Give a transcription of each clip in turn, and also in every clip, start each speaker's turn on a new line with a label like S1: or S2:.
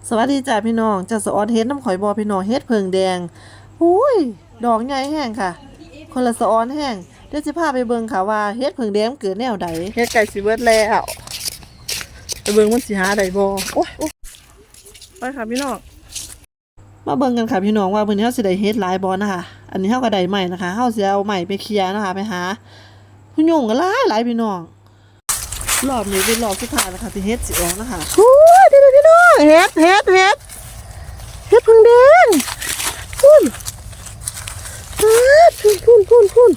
S1: สวัสดีจ้าพี่น้องจะสอนเฮ็ดน้ำข่อยบอพี่น้องเฮ็ดเพิงแดงอุ้ยดอกใหญ่แห้งค่ะคนละสอนแห้งเดี๋ยวจะพาไปเบิ่งค่ะว่าเฮ็ดเพิงแดงเกิดแนวใดเฮ็ดไก่สิเบิดแล้วไปเบิ่งมันสิหาได้บ่โอ้ยไปค่ะพี่น้องมาเบิ่งกันค่ะพี่น้องว่ามื้อนี้เฮาสิได้เฮ็ดหลายบ่นะคะอันนี้เฮาก็ได้ใหม่นะคะเฮาสิเอาใหม่ไปเคลียร์นะคะไปหาผู้ยุ่งก็หลายพี่น้องรอบนี้เป็นรอบสุดท้ายแล้วค่ะที่เฮ็ดสิออกนะคะโอ้ยพี่น้องเฮ็ดเพิงแดงพุ่นพุ่น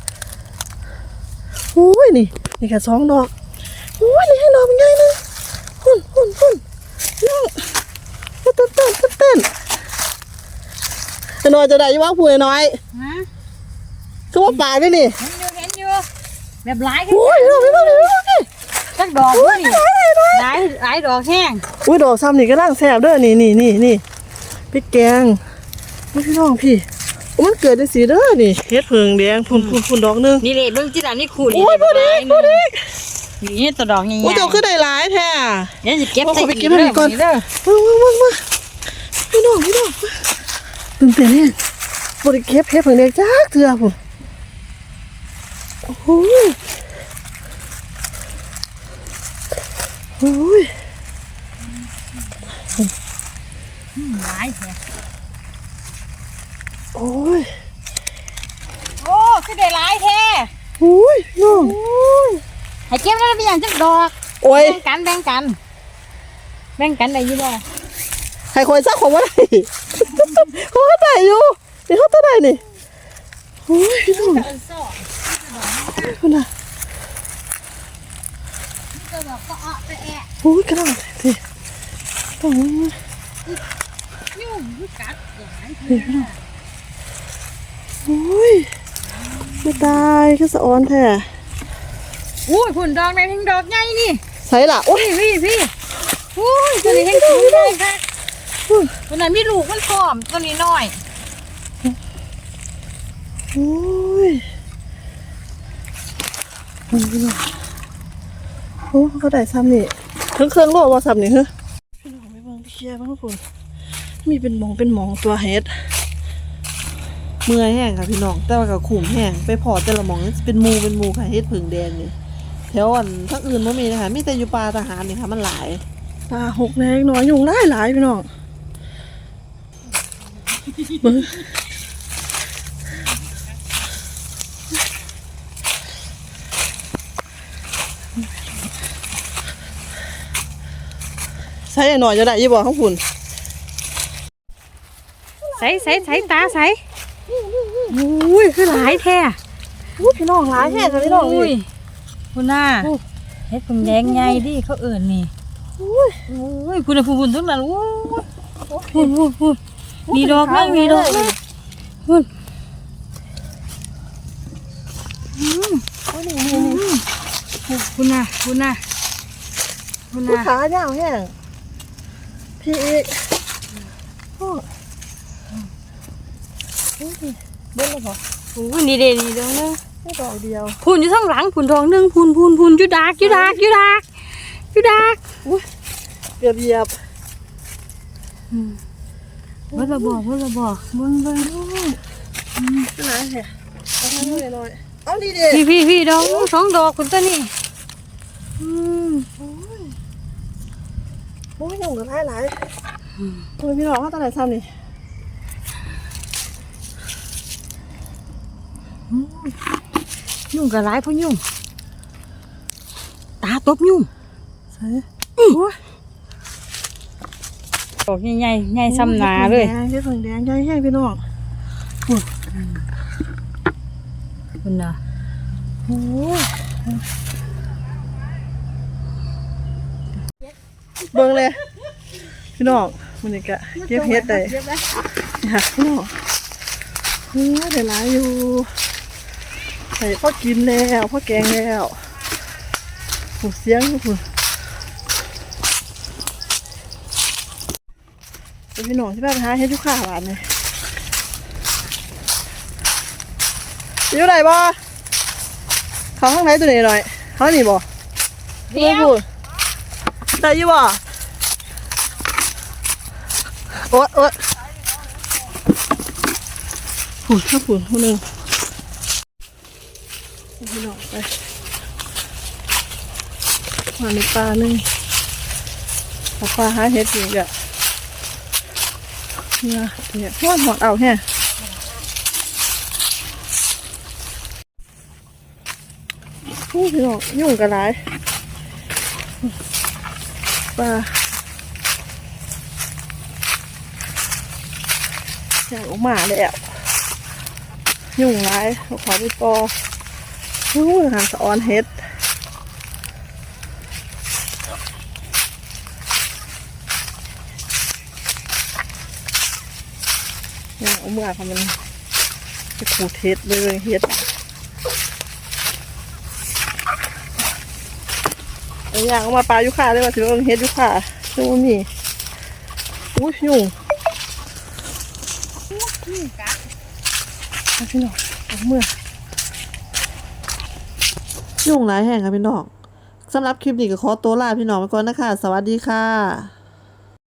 S1: โอ้ยนี่แค่2ดอกโอ้ยนี่ให้ดอกมันใหญ่นะพุ่นน้องเต้นน้อยจะได้ยี่ว่าผู้น้อยคือว่าป่าด้วยนี่
S2: เห็นอยู่แบบหลาย
S1: โอ้ยน้อง
S2: จักดอกนี่หลายดอกแห้ง
S1: อุ้ยดอกซ้ำนี่ก็ร่างแซ่บเด้อนี่พริกแกงพี่น้องพี่มันเกิดได้สีเด้อนี่เฮ็ดเพิงแดงพุ่นดอกนึง
S2: นี่เลยเบิ่งจิตานี่ขูด
S1: โอ้ยพอดี
S2: นี่ตัวดอกใหญ่ๆ
S1: โอ้ยเจ้าคือได้หลายแท้
S2: เดี๋ยวสิเก็บใส่
S1: ไปเก็บให้ก่อนมาพี่น้องตื่นเต้นเนี่ยบ่ได้เก็บเฮ็ดเพิงแดงจักเทื่อพุ่นโอ้ย
S2: หลายแท้
S1: โอ้ย
S2: คือได้หลายแท้
S1: โอ้ยน้อง
S2: ให้เก็บแล้วเป็นหยังจักดอก
S1: โอ้ย
S2: แบ่งกันได้อยู่บ่
S1: ให้คอยซักของบ่ได้เขาได้อยู่นี่เขาได้นี่โอ้ยพี่น้องพุ่นน่ะโอ้ยกระดองสิต้อง
S2: ยุ่งคือกัด
S1: โอ้ยไม่ตายก็สะออนแท้
S2: อุ้ยผุ่นดอกไหนทั้งดอกใหญ่นี่
S1: ใส่ละโอ้ย
S2: พี่อุ้ยตัวนี้แห้งสูงเลยค่ะตัวนั้นมีลูกมันพร้อมตัวนี้น้อย
S1: โอ้ยโอ้เขาได้ซ้ำนี่เครื่องโลว่าซ้ำนี่เหรอพี่น้องไม่เบิ่งเคลียร์บ้างทุกคนมีเป็นหมองตัวเฮ็ดเมื่อยแห้งค่ะพี่น้องแต่ว่าก็ขุ่มแห้งไปพอแต่ละหมองเป็นมูค่ะเฮ็ดผึ่งแดงนี่แถวอันทั้งอื่นไม่มีนะคะมีแต่อยู่ป่าทหารนี่ค่ะมันหลายป่าหกแดงน้อยยุงหลายพี่น้องเบิ่งใส่หน่อยจะได้ยี่บ่ข้างฝุ่น
S2: ใส่ตาใส่อุ้ยคือหลายแท้
S1: อุ้ยพี่น้องหลายแท้ค่ะพี่น้องนี่
S2: คุณน่าเฮ็ดผึ่งแดงใหญ่ดิเขาเอิ่นนี่อุ้ยคุณพุ่นทุกนั้นอุ้ยมีดอกเลยคุณคุณน่ะ
S1: ขายาวแห้งพี่อีกเบิ้ลเลยเหรอ
S2: อุ้ยนี่เด่นนี่ดอกนึง
S1: ไม่ดอกเดียว
S2: พุ่นอยู่ข้างหลังพุ่นดอกนึงพุ่นจุดากอุ้
S1: ยเกือบเหยียบ
S2: เบิ้ลระบอกเบิ้ง
S1: ขนาดแห่เอาทำหน่อยเอาดีเด็ด
S2: พี่ดอก2 ดอกคุณตัวนี้
S1: โอ้ยยุ่งกันหลายคุณพี่น้องเขาตอนไหนซ้ำนี่
S2: ยุ่งกับหลายเพราะยุ่งตาตบยุ่ง
S1: ใช่
S2: ดอกใหญ่ซ้ำหนาเลย
S1: เฮ็ดผึ่งแดงใหญ่พี่น้อง
S2: คุณน่ะ
S1: โอ้เบิ่งเลยพี่น้องมันนี่กะเก็บเฮ็ดได้ค่ะพี่น้องได้หลายอยู่ใส่พ่อกินแล้วพ่อแกงแล้วหูเสียงทุกคนพี่น้องที่บ้านหาเฮ็ดทุกข้าวหวานเลยอยู่ไหนบ่เขาข้างไหนตัวนี้หน่อยเขาหนีบ่ได้อยู่บ่โอ๊ยโอ๊ยฝุ่นถ้าฝุ่นเท่านึงพี่น้องไปมาในปลานึงเอาปลาหาเห็ดอยู่อ่ะเนี่ยหอดเอาแฮะพี่น้องยุ่งกันหลายปลาอยากออกมาแล้วยุ่งหลายขอไปปอหางสะออนเฮ็ดอยากเอาเมื่อค่ะมันจะขูดเฮ็ดเลยเฮ็ดอยากเอามาปลายุค่าเลยว่าถือว่าเฮ็ดยุค่าดูว่ามีอุ้ยยุ่งพี่น้องเอาเมื่อยุ่งหลายแห่งค่ะพี่น้องสำหรับคลิปนี้ก็ขอตัวลาพี่น้องไปก่อนนะคะสวัสดีค่ะ